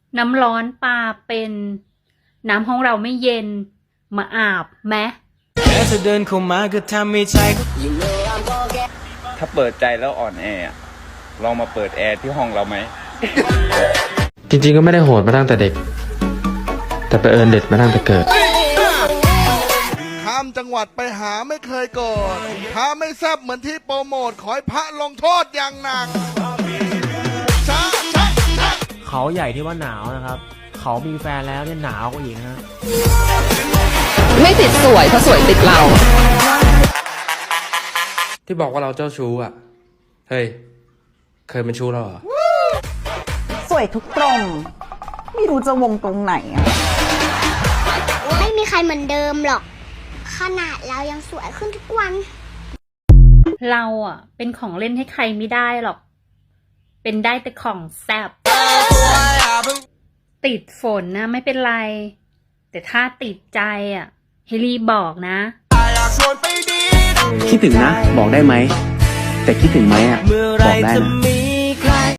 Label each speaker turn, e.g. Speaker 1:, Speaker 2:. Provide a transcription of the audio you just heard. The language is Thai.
Speaker 1: น้ำร้อนปลาเป็นน้ำห้องเราไม่เย็นมาอาบไหม
Speaker 2: แค่เธอเดินเข้ามาก็ทำให้ใจถ้าเปิดใจแล้วอ่อนแอลองมาเปิดแอร์ที่ห้องเราไหม
Speaker 3: จริงๆก็ไม่ได้โหดมาตั้งแต่เด็ก แต่ไปเอิญเด็ดมาตั้งแต่เกิด
Speaker 4: ข้ามจังหวัดไปหาไม่เคยโกรธถ้าไม่แซบเหมือนที่โปรโมทขอให้พระลงโทษอย่างหนัก
Speaker 5: เขาใหญ่ที่ว่าหนาวนะครับ เขามีแฟนแล้วเนี่ยหนาวกว่าอีกนะฮะ
Speaker 6: ไม่ติดสวยเพราะสวยติดเรา
Speaker 3: ที่บอกว่าเราเจ้าชู้อ่ะ เฮ้ย เคยเป็นชู้เราเหรอ
Speaker 7: สวยทุกตรงไม่รู้จะวงตรงไหนอะ
Speaker 8: ไม่มีใครเหมือนเดิมหรอกขนาดเรายังสวยขึ้นทุกวัน
Speaker 1: เราอ่ะเป็นของเล่นให้ใครไม่ได้หรอกเป็นได้แต่ของแซ่บติดฝนนะไม่เป็นไรแต่ถ้าติดใจอ่ะให้รีบบอกนะ
Speaker 9: คิดถึงนะบอกได้ไหมแต่คิดถึงไหมอ่ะบอกได้นะ